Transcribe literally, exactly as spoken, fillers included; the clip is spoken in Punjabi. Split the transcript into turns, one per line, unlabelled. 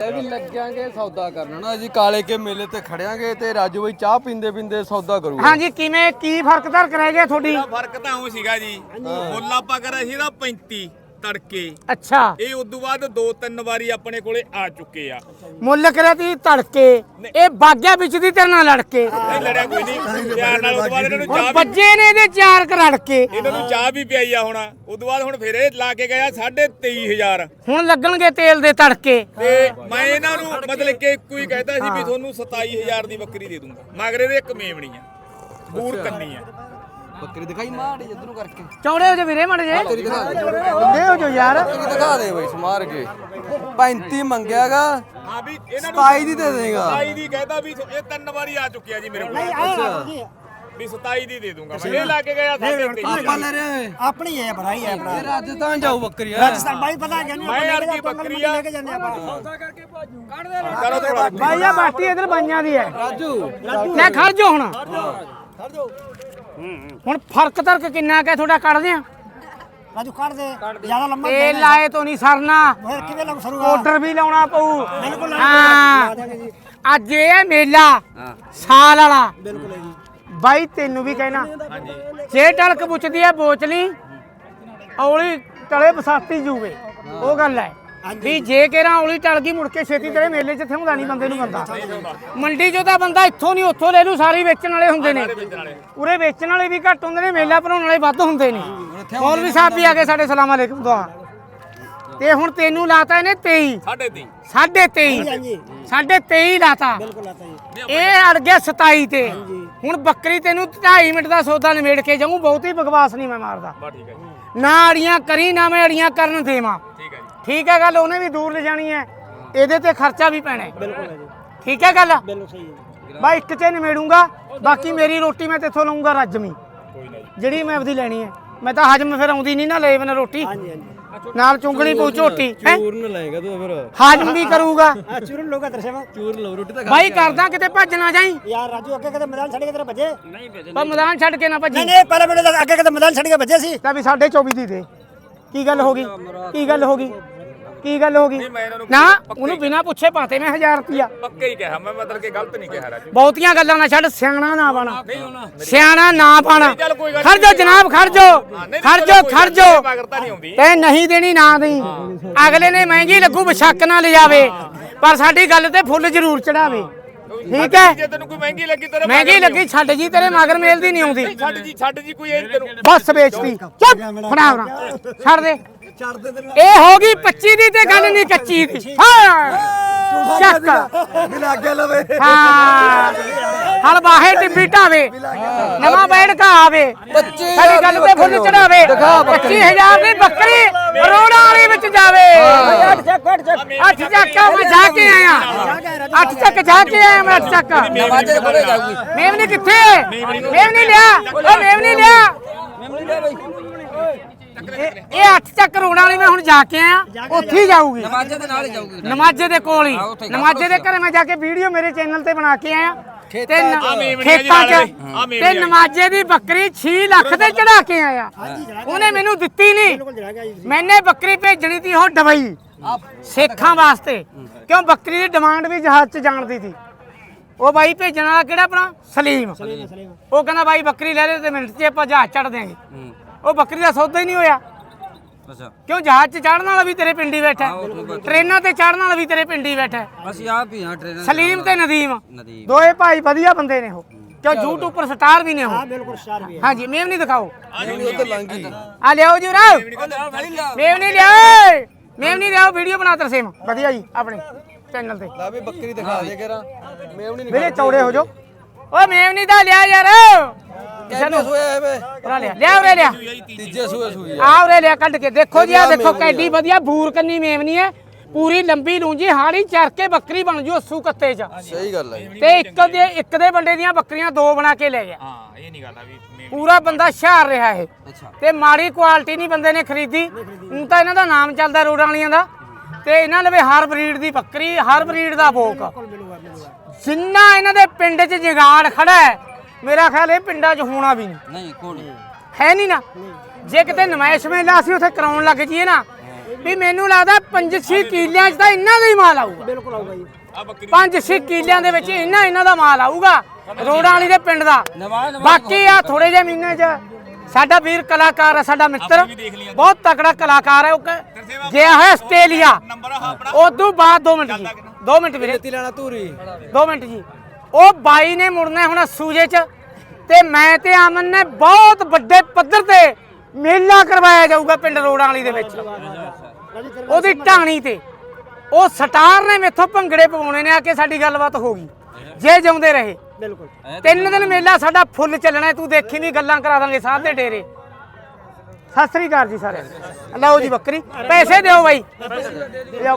ਵੀ ਲੱਗਾਂਗੇ ਸੌਦਾ ਕਰਨਾ ਨਾ ਜੀ ਕਾਲੇ ਕੇ ਮੇਲੇ ਤੇ ਖੜਿਆਂਗੇ ਤੇ ਰਾਜੂ ਬਾਈ ਚਾਹ ਪੀਂਦੇ ਪੀਂਦੇ ਸੌਦਾ ਕਰੂਗਾ।
ਹਾਂਜੀ ਕਿਵੇਂ ਕੀ ਫਰਕ ਧਰਕ ਰਹਿ ਗਿਆ ਤੁਹਾਡੀ?
ਫਰਕ ਤਾਂ ਉਹ ਸੀਗਾ ਜੀ ਮੁੱਲ ਆਪਾਂ ਕਰਿਆ ਸੀ ਨਾ ਪੈਂਤੀ ਤੜਕੇ।
ਅੱਛਾ
ਇਹ ਉਦੋਂ ਬਾਅਦ ਦੋ ਤਿੰਨ ਵਾਰੀ ਆਪਣੇ ਕੋਲੇ ਆ ਚੁੱਕੇ ਆ।
ਮੁੱਲ ਕਰਿਆ ਤੀ ਤੜਕੇ ਇਹ ਬਾਗਿਆ ਵਿੱਚ ਦੀ ਤੇਰੇ ਨਾਲ ਲੜ ਕੇ
ਨਹੀਂ ਲੜਿਆ ਕੋਈ ਨਹੀਂ ਪਿਆਰ ਨਾਲ। ਉਦੋਂ ਬਾਅਦ ਇਹਨਾਂ ਨੂੰ ਚਾਹ ਵੀ
ਬੱਜੇ ਨੇ ਇਹਦੇ ਚਾਰ ਕ ਰੜ ਕੇ
ਇਹਨਾਂ ਨੂੰ ਚਾਹ ਵੀ ਪਿਆਈ ਆ ਹੁਣ। ਉਦੋਂ ਬਾਅਦ ਹੁਣ ਫਿਰ ਇਹ ਲਾ ਕੇ ਗਿਆ ਸਾਢੇ ਤੇਈ ਹਜ਼ਾਰ।
ਹੁਣ ਲੱਗਣਗੇ ਤੇਲ ਦੇ ਤੜਕੇ।
ਤੇ ਮੈਂ ਇਹਨਾਂ ਨੂੰ ਮਤਲਬ ਕਿ ਇੱਕੋ ਹੀ ਕਹਿਤਾ ਸੀ ਵੀ ਤੁਹਾਨੂੰ ਸਤਾਈ ਹਜ਼ਾਰ ਦੀ ਬੱਕਰੀ ਦੇ ਦੂੰਗਾ। ਮਗਰ ਇਹਦੇ ਇੱਕ ਮੇਮਣੀ ਆ ਬੂਰ ਕੰਨੀ ਆ।
ਬੱਕਰੀ ਦਿਖਾਈ ਮਾੜੀ ਇਧਰੋਂ ਕਰਕੇ
ਚੌੜੇ ਹੋ ਜੇ ਵੀਰੇ ਮੜ ਜੇ
ਤੇਰੀ ਦਿਖਾ ਦੇ
ਦੇ ਹੋ ਜੋ ਯਾਰ
ਬੱਕਰੀ ਦਿਖਾ ਦੇ ਬਈ ਸਮਾਰ ਕੇ ਪੈਂਤੀ ਮੰਗਿਆਗਾ
ਹਾਂ ਵੀ ਇਹਨਾਂ ਨੂੰ
ਸਤਾਈ ਦੀ ਦੇ ਦੇਗਾ।
ਸਤਾਈ ਦੀ ਕਹਿਤਾ ਵੀ ਇਹ ਤਿੰਨ ਵਾਰੀ ਆ ਚੁੱਕਿਆ ਜੀ ਮੇਰੇ ਕੋਲ। ਵੀ ਸਤਾਈ ਦੀ ਦੇ ਦੂੰਗਾ ਮੈਂ। ਇਹ ਲਾ ਕੇ ਗਿਆ ਸਾਢੇ ਤੇਈ।
ਆਪਾਂ ਲੈ ਰਹੇ
ਆਪਣੀ ਹੈ ਭਰਾਈ ਹੈ ਆਪਣਾ।
ਇਹ ਰਾਜਸਥਾਨ ਜਾਊ ਬੱਕਰੀ ਆ।
ਰਾਜਸਥਾਨ ਬਾਈ ਪਤਾ ਕਿ ਨਹੀਂ
ਮੈਂ ਯਾਰ ਕੀ ਬੱਕਰੀ ਆ।
ਲੈ ਕੇ ਜਾਂਦੇ ਆਪਾਂ।
ਕਰੋ ਥੋੜਾ
ਭਾਈ ਆ ਬਾਟੀ ਇਧਰ ਬਾਈਆਂ ਦੀ ਹੈ।
ਰਾਜੂ
ਲੈ ਖੜ ਜੋ ਹੁਣ ਹੁਣ ਫਰਕ ਧਰਕ ਕਿੰਨਾ ਕਿ ਤੁਹਾਡਾ ਕੱਢਦੇ ਆ?
ਰਾਜੂ ਕੱਢ ਦੇ ਜਿਆਦਾ ਲੰਮਾ
ਤੇਲ ਲਾਏ ਤੋਂ ਨਹੀਂ ਸਰਨਾ।
ਫਿਰ ਕਿਵੇਂ ਲੱਗ ਸਰੂਗਾ?
ਆਰਡਰ ਵੀ ਲਾਉਣਾ ਪਊ।
ਬਿਲਕੁਲ
ਹਾਂ ਅੱਜ ਇਹ ਮੇਲਾ ਸਾਲ ਵਾਲਾ
ਬਿਲਕੁਲ ਜੀ।
ਬਾਈ ਤੈਨੂੰ ਵੀ ਕਹਿਣਾ ਜੇ ਟਲਕ ਪੁੱਛਦੀ ਹੈ ਬੋਚਲੀ ਔਲੀ ਤਲੇ ਬਸਾਤੀ ਜੂਵੇ ਉਹ ਗੱਲ ਹੈ ਵੀ ਜੇ ਕਿਹੜਾ ਔਲੀ ਟਲ ਗਈ ਮੁੜ ਕੇ ਛੇਤੀ ਤੇਰੇ ਮੇਲੇ 'ਚ ਥਿਉਂਦਾ ਨਹੀਂ ਬੰਦੇ ਨੂੰ ਬੰਦਾ। ਮੰਡੀ 'ਚੋਂ ਤਾਂ ਬੰਦਾ ਇੱਥੋਂ ਨਹੀਂ ਉੱਥੋਂ ਲੈ ਲੂ। ਸਾਰੀ ਵੇਚਣ ਵਾਲੇ ਹੁੰਦੇ ਨੇ ਉਰੇ ਵੇਚਣ ਵਾਲੇ ਵੀ ਘੱਟ ਹੁੰਦੇ ਨੇ ਮੇਲਾ ਭਰਾਉਣ ਵਾਲੇ ਵੱਧ ਹੁੰਦੇ ਨੇ। ਮੌਲਵੀ ਸਾਹਿਬ ਵੀ ਆ ਗਏ ਸਾਡੇ ਸਲਾਮ ਅਲੈਕੁਮ ਦੁਆ। ਤੇ ਹੁਣ ਤੈਨੂੰ ਲਾਤਾ ਇਹਨੇ ਤੇਈ
ਸਾਢੇ ਤੇਈ
ਸਾਢੇ ਤੇਈ ਸਾਢੇ ਤੇਈ ਲਾਤਾ।
ਬਿਲਕੁਲ ਆਤਾ ਜੀ।
ਇਹ ਅੜ ਗਿਆ ਸਤਾਈ ਤੇ। ਹੁਣ ਬੱਕਰੀ ਤੈਨੂੰ ਢਾਈ ਮਿੰਟ ਦਾ ਸੌਦਾ ਨਿਮੇੜ ਕੇ ਜਾਊਂ। ਬਹੁਤੀ ਬਕਵਾਸ ਨਹੀਂ ਮੈਂ ਮਾਰਦਾ।
ਬਾ ਠੀਕ ਹੈ ਜੀ।
ਨਾ ਅੜੀਆਂ ਕਰੀ ਨਾ ਮੈਂ ਅੜੀਆਂ ਕਰਨ ਦੇਵਾਂ।
ਠੀਕ ਹੈ ਜੀ।
ਠੀਕ ਹੈ ਗੱਲ। ਉਹਨੇ ਵੀ ਦੂਰ ਲੈ ਜਾਣੀ ਹੈ ਇਹਦੇ ਤੇ ਖਰਚਾ ਵੀ ਪੈਣਾ ਹੈ।
ਬਿਲਕੁਲ ਹੈ ਜੀ।
ਠੀਕ ਹੈ ਗੱਲ।
ਬਿਲਕੁਲ ਸਹੀ ਹੈ।
ਬਾ ਇੱਕ ਚ ਨਿਮੇੜੂੰਗਾ ਬਾਕੀ ਮੇਰੀ ਰੋਟੀ ਮੈਂ ਤੇਥੋਂ ਲਊਂਗਾ ਰੱਜਮੀ
ਕੋਈ ਨਹੀਂ
ਜਿਹੜੀ ਮੈਂ ਆਪਦੀ ਲੈਣੀ ਹੈ। ਮੈਂ ਤਾਂ ਹਜਮ ਫਿਰ ਆਉਂਦੀ ਨਹੀਂ ਨਾ ਲੈ ਬਿਨਾਂ ਰੋਟੀ
ਹਾਂਜੀ ਹਾਂਜੀ
ਨਾਲ ਚੁੰਗਣੀ ਪਊ ਝੋਟੀ ਹੈ।
ਚੂਰਨ ਲਾਏਗਾ ਤੂੰ ਫਿਰ
ਹਾਜ਼ਮ ਵੀ ਕਰੂਗਾ।
ਆ ਚੂਰਨ ਲੋਗਾ ਦਰਸ਼ੇ ਵਾ
ਚੂਰ ਲਓ ਰੋਟੀ ਤਾਂ
ਬਾਈ ਕਰਦਾ ਕਿਤੇ ਭੱਜ ਨਾ ਜਾਈ।
ਯਾਰ ਰਾਜੂ ਅੱਗੇ ਕਦੇ ਮੈਦਾਨ ਛੱਡ ਕੇ ਤੇਰੇ ਭੱਜੇ?
ਪਰ ਮੈਦਾਨ ਛੱਡ ਕੇ ਨਾ ਭੱਜੀ।
ਨਹੀਂ ਨਹੀਂ ਪਹਿਲੇ ਮੈਨੂੰ ਤਾਂ ਅੱਗੇ ਕਦੇ ਮੈਦਾਨ ਛੱਡ ਕੇ ਭੱਜੇ ਸੀ।
ਤਾਂ ਵੀ ਸਾਢੇ ਚੌਵੀ ਦੀ ਦੇ। ਕੀ ਗੱਲ ਹੋ ਗਈ? ਕੀ ਗੱਲ ਹੋ ਗਈ? ਕੀ ਗੱਲ ਹੋ ਗਈ?
ਮੈਂ ਇਹਨਾਂ ਨੂੰ
ਨਾ ਉਹਨੂੰ ਬਿਨਾਂ ਪੁੱਛੇ ਪਾਤੇ ਮੈਂ ਹਜ਼ਾਰ ਰੁਪਿਆ।
ਪੱਕੇ ਹੀ ਕਿਹਾ ਮੈਂ ਮਤਲਬ ਕਿ ਗਲਤ ਨਹੀਂ ਕਿਹਾ ਰਾਜੂ।
ਬਹੁਤੀਆਂ ਗੱਲਾਂ ਨਾ ਛੱਡ ਸਿਆਣਾ ਨਾ ਬਣਾ। ਸਿਆਣਾ ਨਾ ਬਣਾ।
ਚੱਲ ਕੋਈ ਗੱਲ
ਖੜ ਜਾ ਜਨਾਬ ਖੜ ਜਾ ਖੜ ਜਾ ਖੜ ਜਾ।
ਮਗਰਤਾ ਨਹੀਂ ਆਉਂਦੀ।
ਤੇ ਨਹੀਂ ਦੇਣੀ ਨਾ ਦੇਈ। ਅਗਲੇ ਨੇ ਮਹਿੰਗੀ ਲੱਗੂ ਬਸ਼ੱਕ ਨਾ ਲਿਜਾਵੇ ਪਰ ਸਾਡੀ ਗੱਲ ਤੇ ਫੁੱਲ ਜ਼ਰੂਰ ਚੜਾਵੇ। ਠੀਕ ਹੈ
ਜੇ ਤੈਨੂੰ ਕੋਈ ਮਹਿੰਗੀ ਲੱਗੀ ਤੇਰੇ
ਮਹਿੰਗੀ ਲੱਗੀ ਛੱਡ ਜੀ ਤੇਰੇ ਮਗਰ ਮੇਲਦੀ ਨਹੀਂ ਆਉਂਦੀ।
ਛੱਡ ਜੀ ਛੱਡ ਜੀ ਕੋਈ ਇਹ ਤੈਨੂੰ
ਬਸ ਵੇਚਦੀ ਚੁੱਪ ਫੜਾ ਫੜਾ ਛੱਡ ਦੇ। ਇਹ ਹੋ ਗਈ ਪੱਚੀ ਦੀ ਤੇ ਗੱਲ ਨਹੀਂ ਕੱਚੀ ਦੀ। ਹਾਂ ਚੱਕ
ਬਿਨਾ ਅੱਗੇ ਲਵੇ
ਹਾਂ ਹਲ ਬਾਹੇ ਟਿੱਬੀ ਢਾਵੇ ਨਵਾਂ ਬੈਠ ਕਾ ਆਵੇ ਸਾਡੀ ਗੱਲ ਤੇ ਫੁੱਲ ਚੜਾਵੇ। ਪੱਚੀ ਹਜ਼ਾਰ ਦੀ ਬੱਕਰੀ ਕਰੋੜਾਂ ਵਾਲੀ ਵਿੱਚ ਜਾਵੇ। ਅੱਠ ਚੱਕਾ ਮੈਂ ਜਾ ਕੇ ਆਇਆ। ਅੱਠ ਚੱਕ ਜਾ ਕੇ ਆਇਆ ਮੈਂ। ਅੱਠ ਚੱਕ ਮੇਵਨੀ ਕਿੱਥੇ? ਮੇਵਨੀ ਲਿਆ ਉਹ ਮੇਵਨੀ ਲਿਆ। ਇਹ ਅੱਠ ਚੱਕ ਰੋਣਾ ਵਾਲੀ ਮੈਂ ਹੁਣ ਜਾ ਕੇ ਆਇਆ। ਉੱਥੇ ਹੀ ਜਾਊਗੀ
ਨਮਾਜ਼ੇ ਦੇ ਨਾਲ ਹੀ ਜਾਊਗੀ।
ਨਮਾਜ਼ੇ ਦੇ ਕੋਲ ਹੀ। ਨਮਾਜ਼ੇ ਦੇ ਘਰੇ ਮੈਂ ਜਾ ਕੇ ਵੀਡੀਓ ਮੇਰੇ ਚੈਨਲ ਤੇ ਬਣਾ ਕੇ ਆਇਆ। ਤੇ ਖੇਤਾਂ 'ਚ ਤੇ ਨਮਾਜ਼ੇ ਦੀ ਬੱਕਰੀ ਛੇ ਲੱਖ ਤੇ ਚੜਾ ਕੇ ਆਇਆ। ਉਹਨੇ ਮੈਨੂੰ ਦਿੱਤੀ ਨਹੀਂ। ਮੈਨੇ ਬੱਕਰੀ ਭੇਜਣੀ ਸੀ ਉਹ ਡਬਈ ਸੇਖਾਂ ਵਾਸਤੇ ਕਿਉਂ ਬੱਕਰੀ ਦੀ ਡਿਮਾਂਡ ਵੀ ਜਹਾਜ਼ 'ਚ ਜਾਣਦੀ ਸੀ। ਉਹ ਬਾਈ ਭੇਜਣ ਵਾਲਾ ਕਿਹੜਾ ਆਪਣਾ ਸਲੀਮ। ਉਹ ਕਹਿੰਦਾ ਬਾਈ ਬੱਕਰੀ ਲੈ ਲੈ ਤੇ ਮਿੰਟ 'ਚ ਆਪਾਂ ਜਹਾਜ਼ ਚੜ ਦਿਆਂਗੇ। ਉਹ ਬੱਕਰੀ ਦਾ ਸੌਦਾ ਹੀ ਨਹੀਂ ਹੋਇਆ।
ਅੱਛਾ
ਕਿਉਂ ਜਹਾਜ਼ 'ਚ ਚੜਨ ਵਾਲਾ ਵੀ ਤੇਰੇ ਪਿੰਡੀ ਬੈਠਾ ਟ੍ਰੇਨਾਂ ਤੇ ਚੜਨ ਵਾਲਾ ਵੀ ਤੇਰੇ ਪਿੰਡੀ ਬੈਠਾ।
ਅਸੀਂ ਆਪ ਹੀ ਹਾਂ ਟ੍ਰੇਨਰ
ਸਲੀਮ ਤੇ ਨਦੀਮ
ਨਦੀਮ
ਦੋਏ ਭਾਈ ਵਧੀਆ ਬੰਦੇ ਨੇ ਉਹ। ਕਿਉਂ YouTube ਪਰ ਸਟਾਰ ਵੀ ਨੇ ਉਹ।
ਬਿਲਕੁਲ ਸਟਾਰ ਵੀ ਹੈ।
ਹਾਂਜੀ ਮੇਵ ਨਹੀਂ ਦਿਖਾਓ
ਉੱਧਰ ਲੰਗੀ
ਆ ਲਿਆਓ ਜੀ ਰਾਓ ਮੇਵ ਨਹੀਂ ਲਿਆਓ ਮੇਵ ਨਹੀਂ ਲਿਆਓ ਵੀਡੀਓ ਬਣਾ ਤਰਸੇਮ ਵਧੀਆ ਜੀ ਆਪਣੇ ਚੈਨਲ ਤੇ।
ਲਾ ਵੀ ਬੱਕਰੀ ਦਿਖਾ ਦੇ ਕਰਾਂ ਮੇਵਣੀ ਨਹੀਂ
ਵੀਰੇ ਚੌੜੇ ਹੋ ਜਾਓ। ਓ ਮੇਵ ਨਹੀਂ ਦਾ ਲਿਆ ਯਾਰ
ਕਿੰਨੇ ਸੋਇਆ ਵੇ
ਉਰਾ ਲਿਆ ਲਿਆ ਉਰੇ ਲਿਆ
ਤੀਜੇ ਸੂਏ ਸੂਈ
ਆ ਉਰੇ ਲਿਆ ਕੱਢ ਕੇ ਦੇਖੋ ਜੀ ਆ ਦੇਖੋ ਕੈਡੀ ਵਧੀਆ ਬੂਰ ਕੰਨੀ ਮੇਵਨੀ ਹੈ ਪੂਰੀ ਲੰਬੀ ਲੂੰਜੀ ਹਾੜੀ ਚਰ ਕੇ ਬੱਕਰੀ ਬਣ ਜੂ ਅੱਸੂ ਕੱਤੇ 'ਚ।
ਸਹੀ ਗੱਲ ਹੈ
ਤੇ ਇੱਕ ਦੇ ਇੱਕ ਦੇ ਬੰਦੇ ਦੀਆਂ ਬੱਕਰੀਆਂ ਦੋ ਬਣਾ ਕੇ ਲੈ ਗਿਆ।
ਹਾਂ ਇਹ ਨਹੀਂ ਗੱਲ ਆ ਵੀ
ਪੂਰਾ ਬੰਦਾ ਹੁਸ਼ਿਆਰ ਰਿਹਾ ਇਹ
ਅੱਛਾ
ਤੇ ਮਾੜੀ ਕੁਆਲਿਟੀ ਨਹੀਂ ਬੰਦੇ ਨੇ ਖਰੀਦੀ। ਹੁਣ ਤਾਂ ਇਹਨਾਂ ਦਾ ਨਾਮ ਚੱਲਦਾ ਰੋਡਾਂ ਵਾਲੀਆਂ ਦਾ। ਤੇ ਇਹਨਾਂ ਲਵੇ ਹਰ ਬਰੀਡ ਦੀ ਬੱਕਰੀ ਹਰ ਬਰੀਡ ਦਾ ਭੋਕ। ਜਿੰਨਾ ਇਹਨਾਂ ਦੇ ਪਿੰਡ 'ਚ ਜਗਾੜ ਖੜਾ ਹੈ ਮੇਰਾ ਖਿਆਲ ਇਹ ਪਿੰਡਾਂ 'ਚ ਹੋਣਾ ਵੀ ਨਹੀਂ
ਨਹੀਂ ਕੋਣ
ਹੈ ਨਹੀਂ ਨਾ। ਜੇ ਕਿਤੇ ਨਮਾਇਸ਼ ਮੇਲਾ ਅਸੀਂ ਉੱਥੇ ਕਰਾਉਣ ਲੱਗ ਜੀਏ ਨਾ ਵੀ ਮੈਨੂੰ ਲੱਗਦਾ ਪੰਜ ਛੇ ਕਿੱਲਿਆਂ 'ਚ ਤਾਂ ਇਹਨਾਂ ਦਾ ਹੀ ਮਾਲ ਆਊਗਾ
ਬਿਲਕੁਲ ਆਊਗਾ ਜੀ
ਆ ਬੱਕਰੀ
ਪੰਜ ਛੇ ਕਿੱਲਿਆਂ ਦੇ ਵਿੱਚ ਇਹਨਾਂ ਇਹਨਾਂ ਦਾ ਮਾਲ ਆਊਗਾ ਰੋੜਾਂ ਵਾਲੀ ਦੇ ਪਿੰਡ ਦਾ ਬਾਕੀ ਆ ਥੋੜੇ ਜਿਹੇ ਮਹੀਨੇ 'ਚ ਸਾਡਾ ਵੀਰ ਕਲਾਕਾਰ ਹੈ ਸਾਡਾ ਮਿੱਤਰ ਬਹੁਤ ਤਕੜਾ ਕਲਾਕਾਰ ਹੈ ਉਹ ਕ- ਗਿਆ ਹੈ ਆਸਟ੍ਰੇਲੀਆ
ਨੰਬਰ ਆ ਆਪਣਾ
ਉਦੋਂ ਬਾਅਦ ਦੋ ਮਿੰਟ ਜੀ ਦੋ ਮਿੰਟ ਵੀਰੇ
ਤੀ ਲੈਣਾ ਧੂਰੀ
ਦੋ ਮਿੰਟ ਜੀ ਉਹ ਬਾਈ ਨੇ ਮੁੜਨਾ ਹੁਣ ਸੂਜੇ 'ਚ ਤੇ ਮੈਂ ਤੇ ਅਮਨ ਨੇ ਬਹੁਤ ਵੱਡੇ ਪੱਧਰ ਤੇ ਮੇਲਾ ਕਰਵਾਇਆ ਜਾਊਗਾ ਪਿੰਡ ਰੋੜਾਂ ਵਾਲੀ ਦੇ ਵਿੱਚ ਉਹਦੀ ਢਾਣੀ ਤੇ ਉਹ ਸਟਾਰ ਨੇ ਮੇਥੋਂ ਭੰਗੜੇ ਪਵਾਉਣੇ ਨੇ ਆ ਕੇ ਸਾਡੀ ਗੱਲਬਾਤ ਹੋ ਗਈ ਜੇ ਜਿਉਂਦੇ ਰਹੇ
ਬਿਲਕੁਲ
ਤਿੰਨ ਦਿਨ ਮੇਲਾ ਸਾਡਾ ਫੁੱਲ ਚੱਲਣਾ ਹੈ, ਤੂੰ ਦੇਖੀ ਨਹੀਂ ਗੱਲਾਂ ਕਰਾ ਦਾਂਗੇ ਸਾਧ ਦੇ ਡੇਰੇ ਸਤਿ ਸ੍ਰੀ ਅਕਾਲ ਜੀ ਸਾਰਿਆਂ ਨੂੰ ਲਓ ਜੀ ਬੱਕਰੀ ਪੈਸੇ ਦਿਓ ਬਾਈ ਲਿਆਓ